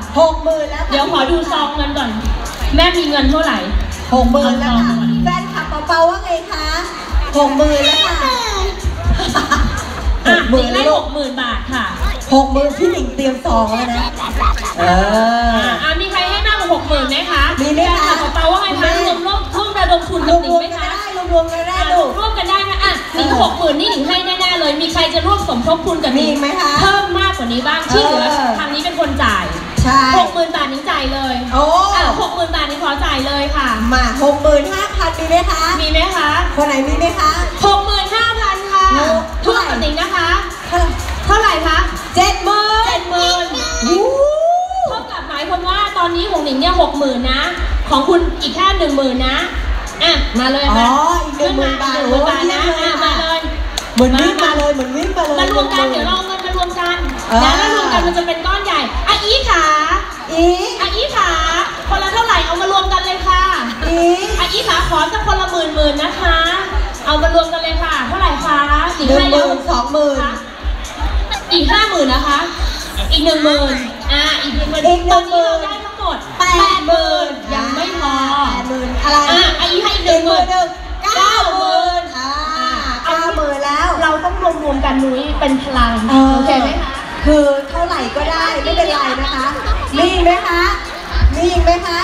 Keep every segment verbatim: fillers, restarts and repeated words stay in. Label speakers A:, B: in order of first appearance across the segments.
A: หกหมื่นแล้ว
B: เดี๋ยวขอดูซองเงินก่อนแม่มีเงินเท่าไหร่
A: หกหมื่นแล้วค่ะแฟนคลับเปาๆว่าไงคะหกหมื่นแล้วค่ะ
B: หกหมื่นได้หกหมื่นบาทค่ะ
A: หกหมื่นพี่หนิงเตรียมซองแล้วนะเออ
B: อ่ามีใครให้มากกว่าหกหมื่นไหมคะ
A: มีไหมคะ
B: เปาว่าไงคะรวมร่วมร่วมระดมทุนกับหนิงไหมคะ
A: รวมกันได้ลูก
B: ร่วมกันได้นะอ่ะหนิงหกหมื่นนี่หนิงให้แน่ๆเลยมีใครจะร่วมสมทบทุนกับหนิง
A: ไหมคะ
B: เพิ่มมากกว่านี้บ้างที่เหลือทางนี้เป็นคนจ่าย
A: ใช่
B: หกหมื่นบาทหนิงจ่ายเลย
A: โอ้
B: หกหมื่นบาทหนิงขอจ่ายเลยค่ะ
A: มาหกหมื่นห้าพันมีไหมคะ
B: มีไหมคะ
A: คนไหนมีไหมคะ
B: หกหมื่นห้าพันค่ะทุกกับหนิงนะคะเท่าไหร่คะ
A: เจ็ดหมื่น
B: เจ็ดหมื่นเท่ากับหมายความว่าตอนนี้ของหนิงเนี่ยหกหมื่นนะของคุณอีกแค่หนึ่งหมื่นนะอ่ะมาเลย
A: อ๋ออีกหนึ่งหมื่นบาท
B: หนึ่งหมื่นบาทนะอ่ะมาเลย
A: เหมือนวิ่งมาเลยเหมือนวิ่งมาเลย
B: มารวมกันเดี๋ยวเราเงินมารวมกันแล้วถ้ารวมกันมันจะเป็นก้อนใหญ่อ่ะอีขา
A: อี
B: อ่ะอีขาคนละเท่าไหร่เอามารวมกันเลยค่ะ
A: อี
B: อ่ะอีขาขอสักคนละหมื่นหมื่นนะคะเอามารวมกันเลยค่ะเท่าไหร่คะ
A: หนึ่งหมื่นสองหมื่น
B: อีกห้าหมื่นนะคะอีกหนึ่งหมื่นอ่ะอีกหนึ่งหมื่นตอนนี้เราได้ทั้งหมดแปดหมื่นยังไม่พอ
A: แปดหมื่นอะไร
B: อ่ะอีกให้อีกหนึ่งหมื่น
A: เก้าหมื่นอ่าเก้าหมื่นแล้ว
B: เราต้องรวมรวมกันนุ้ยเป็นพลังโอเคไหมคะ
A: คือเท่าไหร่ก็ได้ไม่เป็นไรนะคะมีอีกไหมคะมีอีกไหมคะ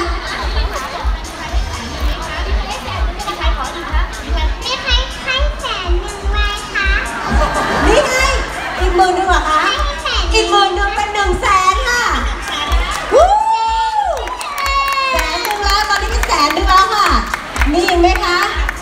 A: นี่ไงอีกหมื่นหนึ่งเหรอคะอีกหมื่นหนึ่งเป็นหนึ่งแสนค่ะวู้แสนหนึ่งแล้วตอนนี้เป็นแสนหนึ่งแล้วค่ะมีอีกไหมคะ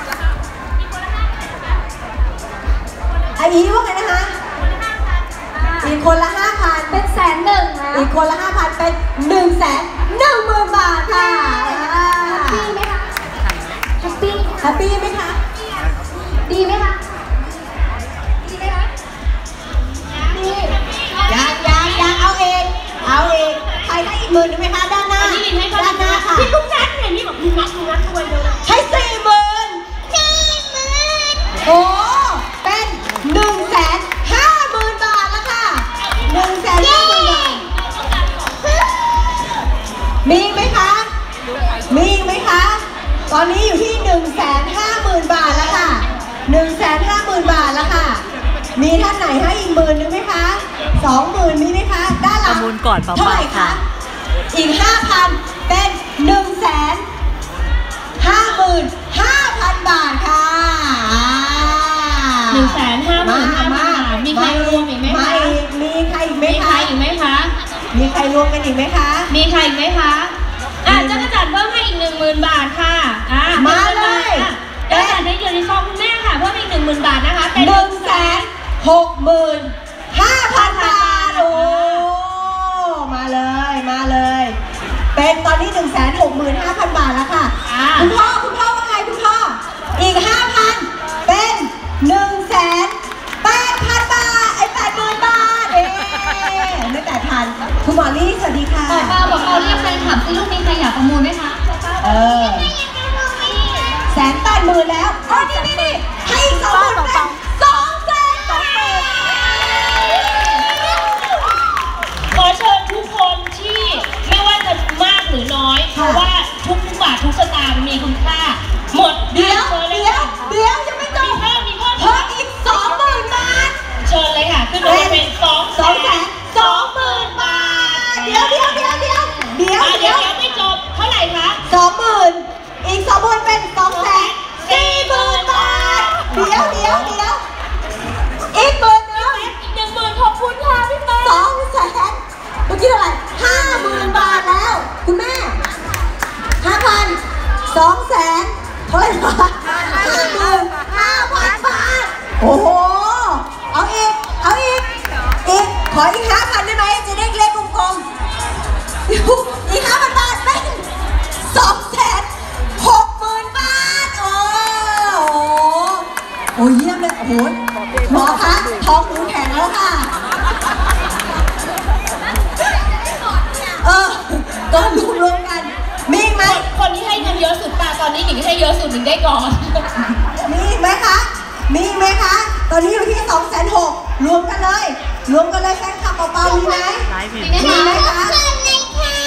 A: อาอีว่าไงนะคะอีกคนละห้าพัน
C: เป็นแสนหนึ่งนะ
A: อีกคนละห้าพันเป็นหนึ่งแสนหนึ่งหมื่นบาทค่ะ
C: ดีไหมคะแฮปปี้
A: แฮปปี้ไหมคะ
C: ดีไหมคะดีไหมคะดี
A: ยังยังยังเอาเองเอาเองใครได้อีกหมื่นไหมคะด้านหน้า
B: ด้านหน้าค่ะพี่ลุงนัทเนี่ยนี่บอกลุงนัทลุงนัทด้วยเลย
A: ให้สี่หมื่น
C: สี่หมื่น
A: โอ้เป็นหนึ่งแสนห้าหมื่นบาทแล้วค่ะหนึ่งแสนห้าหมื่นบาทมีไหมคะมีไหมคะตอนนี้อยู่ที่หนึ่งแสนห้าหมื่นบาทแล้วค่ะหนึ่งแสนห้าหมื่นบาทแล้วค่ะมีท่านไหนให้อีกหมื่นนึงไหมคะสองหมื่นมีไหมคะด้านหลังเท่าไหร่คะอีกห้าพันเป็นหนึ่งแสนห้าหมื่นห้าพันบาทค่ะ
B: หนึ่งแสนห้าหมื่นห้าพันบาทมีใครรวมอีกไหมคะ
A: มีใครอีกไหมคะ
B: มีใครอีกไหมคะ
A: มีใครรวมกันอีกไหมคะ
B: มีใครอีกไหมคะอ่ะจักรจันทร์เพิ่มให้อีกหนึ่งหมื่นบาทค่ะอ่ะ
A: มาเลย
B: จักรจันทร์ได้อยู่ในซองคุณแม่ค่ะเพิ่มอีกหนึ่งหมื่นบาทนะคะเป็น
A: หนึ่งแสนหกหมื่นห้าพันบาทโอ้มาเลยมาเลยเป็นตอนนี้หนึ่งแสนหกหมื่นห้าพันบาทแล้วค่ะคุณพ่อคุณพ่อว่าไงคุณพ่ออีกห้าพันเป็นหนึ่งแสนแปดพันบาทไอ้แปดหมื่นบาทเอ๊ไม่แปดพันคุณหมอลี่สวัสดีค่ะ
C: บอกเราบอกเราเรียกแฟนคลับสิลูกมีใครอยากประมูลไหมคะ
A: เออแสนแปดหมื่นแล้วโอ้นี่นี่นี่ให้อีกสองหมื่นเป็นสองแสนสองหมื่น
B: ขอเชิญทุกคนที่ไม่ว่าจะมากหรือน้อยเพราะว่าทุกทุกบาททุกสตางค์มีคุณค่าหมด
A: เดี๋ยวเดี๋ยวเดี๋ยวยังไม่จบ
B: มีเพิ่มมีเพิ่ม
A: เพิ่มอีกสองหมื่นบาท
B: เชิญเลยค่ะขึ้นมาเป็นสอง
A: สองแสนสองหมื่นบาทเดี๋ยวเดี๋ยวเดี๋ยวเดี๋ยวเดี๋ยว
B: เดี๋ยวไม่จบเท่าไหร่คะ
A: สองหมื่นอีกสองหมื่นเป็นสองแสนสี่หมื่นบาทเดี๋ยวเดี๋ยวเดี๋ยวอีกหมื่นนึง
B: อีกหนึ่งหมื่นขอบคุณค่ะพี่ป๊า
A: สองแสนเมื่อกี้เท่าไหร่ห้าหมื่นบาทแล้วคุณแม่ห้าพันสองแสนเท่าไหร่คะห้าหมื่นห้าพันบาทโอ้โหเอาอีกเอาอีกอีกขออีกห้าพันได้ไหมจะได้เลขกลมๆอีกห้าพันบาทเป็นสองแสนหกหมื่นบาทโอ้โหโอ้เยี่ยมเลยโอ้โหหมอคะท้องหนูแข็งแล้วค่ะเออก็รวมรวมกันมีไหม
B: คนที่ให้เงินเยอะสุดป่ะตอนนี้หนิงให้เยอะสุดหนิงได้ก่อน
A: มีไหมคะมีไหมคะตอนนี้อยู่ที่สองแสนหกรวมกันเลยรวมกันเลยแฟนคลับเปล่าๆมีไหม
C: มีไหมคะ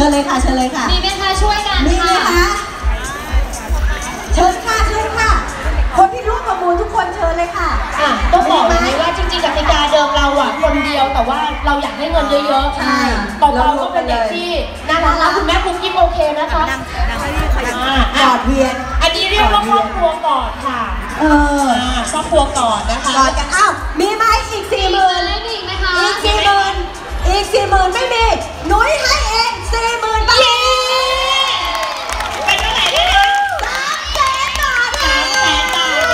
A: ชิญเลยค่ะเชิญเลยค่ะ
C: มีไหมคะช่วยกัน
A: มีไหม
C: ค่ะ
A: คะเชิญค่ะเชิญค่ะ คนที่ร่วมประมูลทุกคนเชิญเลยค่ะ
B: อ่ะต้องบอกเลยว่าจริงๆกติกาเดิมเราอ่ะคนเดียวแต่ว่าเราอยากได้เงินเยอะๆ
A: ใช่
B: ต่อเราก็เป็นเด็กที่น่ารักนะคุณแม่คุกกิ๊บโอเคนะคะอ่า
A: หยอดเวียน
B: อันนี้เรียกว่าครอบครัวก่อนค่ะ
A: เออ
B: อ่าครอบครัวก่อนนะคะ
A: กอดกันอ้าวมีไหมอีกสี่
C: มี
A: หมื่
C: เงิ
A: น
C: นเล่นอีกไหมคะ
A: อีกสี่หมื่นอีกสี่หมื่นไม่มีหนุ้ยให้เองสี่หมื่นบาท
B: เย้เป็นเท่าไหร่แล้วนะ
A: สามแสนบาท
B: สามแสนบาท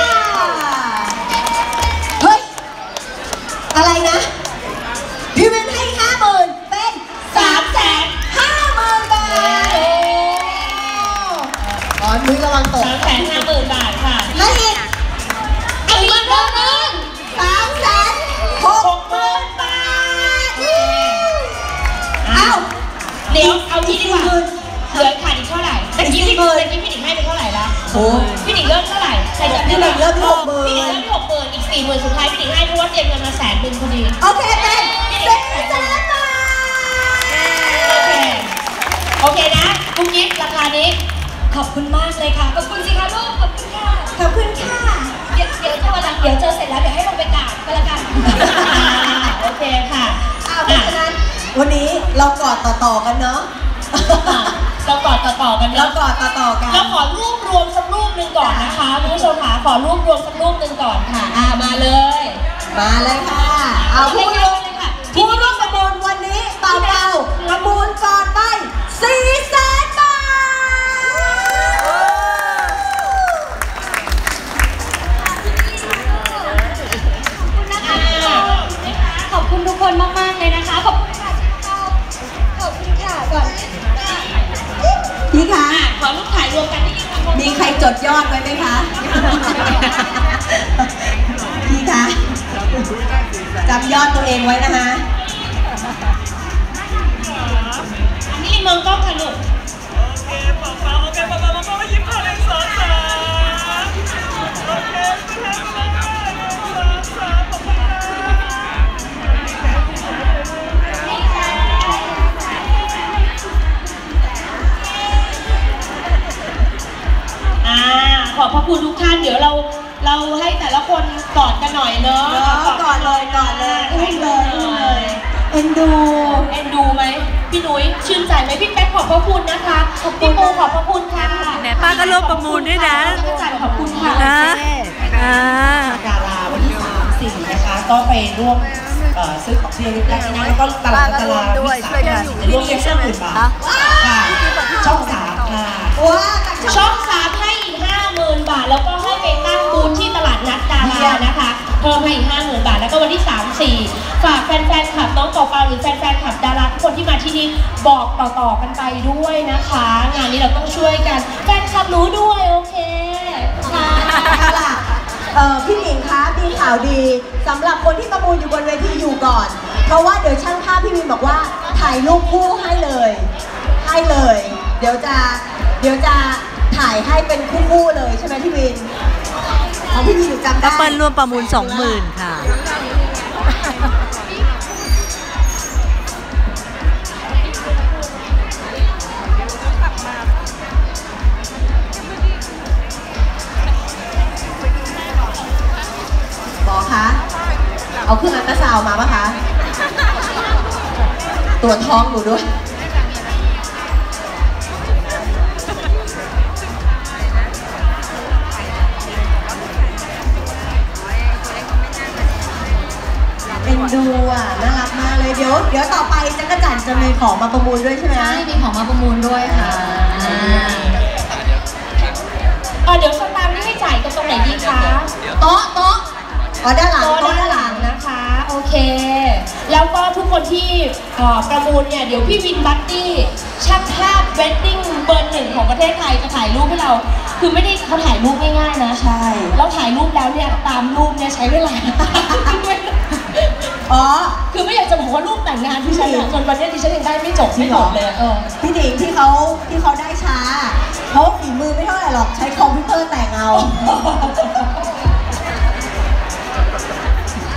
A: เฮ้ย อะไรนะ พี่เวนให้ห้าหมื่นเป็นสามแสนห้าหมื่นบาทอ๋อนุ้ยระวังตก
B: สามแสนห้าหมื่นบาทค่ะ
A: ให้อีก
B: เอาอีกเรื่องนึง
A: สามแสนห
B: ห
A: ก
B: กหมื่นบาท
A: เอ้า
B: เดี๋ยวเอาที่ดีกว่า
A: สี่หมื่น
B: เหลือขาดอีกเท่าไหร่ตะกี้พี่
A: สี่หมื่น
B: ตะกี้พี่หนิงให้ไปเท่าไหร่ละ
A: โอ้
B: พี่หนิงเริ่มเท่าไหร่ใครจำได้
A: พี่หนิงเริ่มที่หกหมื่น
B: พี่หนิงเริ่มที่หกหมื่นอีกสี่หมื่นสุดท้ายพี่หนิงให้เพราะว่าเตรียมเงินมาแสนหนึ่งพอดี
A: โอเคเป็นสี่แสนบาท
B: โอเค โอเคนะคุณกิ๊ฟราคานี้ ขอบคุณมากเลยค่ะ ขอบคุณสิคะลูก ขอบคุณค่ะ
A: ขอบคุณค่ะ
B: เดี๋ยวเดี๋ยวเจอวันหลังเดี๋ยวเจอเสร็จแล้วเดี๋ยวให้ลงไปกราบก็แล้วกัน โอเคค่ะ
A: อ้าวเพราะฉะนั้นวันนี้เรากอดต่อๆกันเนาะ
B: เรากอดต่อๆกัน
A: เรา
B: เนาะ
A: กอดต่อๆกัน
B: เราขอรวบรวมสักรูปหนึ่งก่อนนะคะคุณผู้ชมค่ะขอรวบรวมสักรูปหนึ่งก่อนค่ะอ่ามาเลย
A: มาเลยค่ะ เอาผู้ร่วมผู้ร่วมประมูลวันนี้เป่าเป่าประมูลก่อนไปสี่แสนบาท
C: ขอบคุณทุกคนมากๆเลยนะคะ ขอบคุณค่ะขอบคุณค่ะก่อน
A: พี่คะ
B: อ่ะขอรูปถ่ายรวมกันที่
A: มีใครจดยอดไว้ไหมคะ พี่คะจำยอดตัวเองไว้นะคะ
B: อันนี้มองกล้องค่ะลูก
D: โอเคป๊าป๊าโอเคป๊าป๊าป๊าป๊ายิ้มผ่านเลยสองสามโอเคไปแล้วไปแล้วสองสามขอบคุณค่ะ
B: อ่าขอบพระคุณทุกท่านเดี๋ยวเราเราให้แต่ละคนกอดกันหน่อยเนอะ
A: เนาะก่อนเลยก่อนเลยอุ้มเลยอุ้มเลยเอ็นดู
B: เอ็นดูไหมพี่นุ้ยชื่นใจไหมพี่แป๊กขอบพระคุณนะคะพี่ปูขอบพระคุณค่ะ
E: แหมป้าก็ร่วมประมูลด้วยนะ
B: พี่จ่ายขอบคุณค่ะ
E: นะอ่า
F: ดาราวันที่สามสี่นะคะก็ไปร่วมเอ่อซื้อของที่ระลึกได้ที่นั่นแล้วก็ตลาดตลาดวิสาหกิจจะร่วมเก็บห้าหมื่นบาทค่ะช่องสามค่ะ
A: ว้า
B: ช่องสามให้อีกห้าหมื่นบาทแล้วก็ให้ไปตั้งบูธที่ตลาดนัดดารานะคะเพิ่มให้อีกห้าหมื่นบาทแล้วก็วันที่สาม สี่ฝากแฟนๆคลับน้องเป่าเปาหรือแฟนๆคลับดาราทุกคนที่มาที่นี่บอกต่อๆกันไปด้วยนะคะ งานนี้เราต้องช่วยกันแฟนคลับรู้ด้วยโอเคค่ะ
A: เอาล่ะเอ่อพี่หนิงคะมีข่าวดีสำหรับคนที่ประมูลอยู่บนเวทีอยู่ก่อน เพราะว่าเดี๋ยวช่างภาพพี่วินบอกว่าถ่ายรูปคู่ให้เลย ให้เลย เดี๋ยวจะเดี๋ยวจะถ่ายให้เป็นคู่ๆเลยใช่ไหมพี่วินของพี่วินหนูจำได้
E: ก็เปิ้ลร่วมประมูลสองหมื่นค่ะ
A: บอกคะเอาเครื่องอัลตราซาวด์มาปะคะตรวจท้องหนูด้วยเป็นดูอ่ะน่ารักมากเลยเดี๋ยวเดี๋ยวต่อไปจักรจันทร์จะมีของมาประมูลด้วยใช่ไหม
C: ใช่มีของมาประมูลด้วยค่ะ
B: เออเดี๋ยวสตางค์นี่ให้จ่ายกันตรงไหนดีคะ
A: โต๊ะโต๊ะอ๋อด้านหลัง
B: โต๊ะ
A: โต๊ะ
B: ด้า
A: ด้าน น
B: ห
A: ห
B: ลั
A: ลั
B: ง
A: ง
B: นะคะ โอเค แล้วก็ทุกคนที่เอ่อประมูลเนี่ยเดี๋ยวพี่วินบัตตี้ช่างภาพเวดดิ้งเบอร์หนึ่งของประเทศไทยจะถ่ายรูปให้เรา คือไม่ได้เขาถ่ายรูปง่ายๆนะ
A: ใช่
B: เราถ่ายรูปแล้วเนี่ยตามรูปเนี่ยใช้เวลา
A: อ๋อ
B: คือไม่อยากจะบอกว่ารูปแต่งงานที่ฉันอะจนวันนี้ดิฉันยังได้ไม่จบไม่หมดเลยอะเออ
A: พี่หนิงที่เขาที่เขาได้ช้าเพราะฝีมือไม่เท่าไหร่หรอกใช้คอมพิวเตอร์แต่งเอา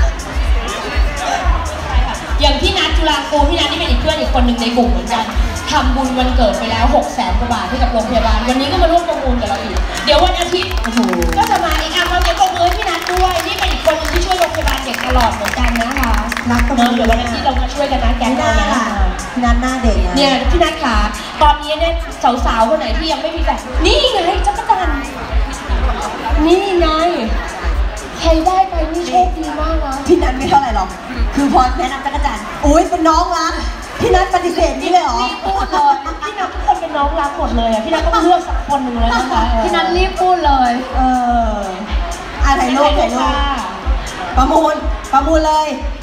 B: อย่างพี่นัทจุฬากูลพี่นัทนี่เป็นอีกเพื่อนอีกคนหนึ่งในกลุ่มเหมือนกันททำบุญวันเกิดไปแล้วหกแสนกว่าบาทให้กับโรงพยาบาลวันนี้ก็มาร่วมประมูลกับเราอีกเดี๋ยววันอาทิตย์ก็จะมาอีกอ่ะเราเก็บประมูลพี่นัทด้วยนี่เป็นอีกคนนึงที่ช่วยโรงพยาบาลเด็กตลอดเหมือนกันนะคะ
A: รักตรง
B: เออ
A: นี้
B: เดี๋ยววันอาทิตย์เรามาช่วยกันนะแก๊ง
A: ห
B: เรา
A: น้า
B: นะ
A: พี่นัทหน้าเด็กนะ
B: เนี่ยพี่นัทขาตอนนี้เนี่ยสาวๆคนไหนที่ยังไม่มีแฟนนี่ไงจักรจันทร์นี่ไงใครได้ไปนี่โชคดีมากนะ
A: พี่นัทไม่เท่าไหร่หรอกคือพอแนะนำจักรจันทร์อุ้ยเป็นน้องรักพี่นัทปฏิเสธนี่เลยเหรอ
B: รีบพูดเลยพี่นัททุกคนเป็นน้องรักหมดเลยอ่ะพี่นัทต้องเลือกสักคนหนึ่งเลยนะคะ
C: พี่นัทรีบพูดเลย
A: เอออ่ะถ่ายรูปถ่ายรูปประมูลประมูลเลย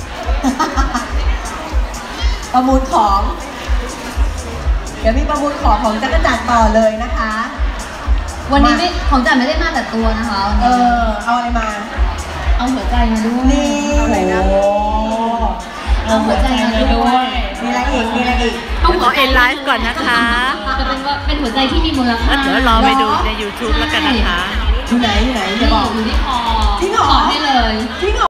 A: ประมูลของ เดี๋ยวมีประมูลของของจักรจันทร์ต่อเลยนะคะ
C: วันนี้ไม่ของจันไม่ได้มาแต่ตัวนะคะวัน
A: เอ
C: นี้
A: อเอาอะไรมา
C: เอาหัวใจมาด้วย
A: นี่
B: โอ้เอาหัวใจมาด้วย
A: มีอะไรอีกมีอะไรอีก
E: ต้องขอเอ็นไลฟ์ก่อนนะคะ
C: จะเป็นว่าเป็นหัวใจที่มีมูลค่า
E: แล้วเดี๋ยวรอไปดูใน ยูทูบ แล้วกันนะคะ
A: อยู่ไหนอยู่ไหน
C: นี่
A: จะบอก
C: อยู่ที่คอ
A: จริงเหรอ
C: ขอให้เลย
A: จริงเหรอ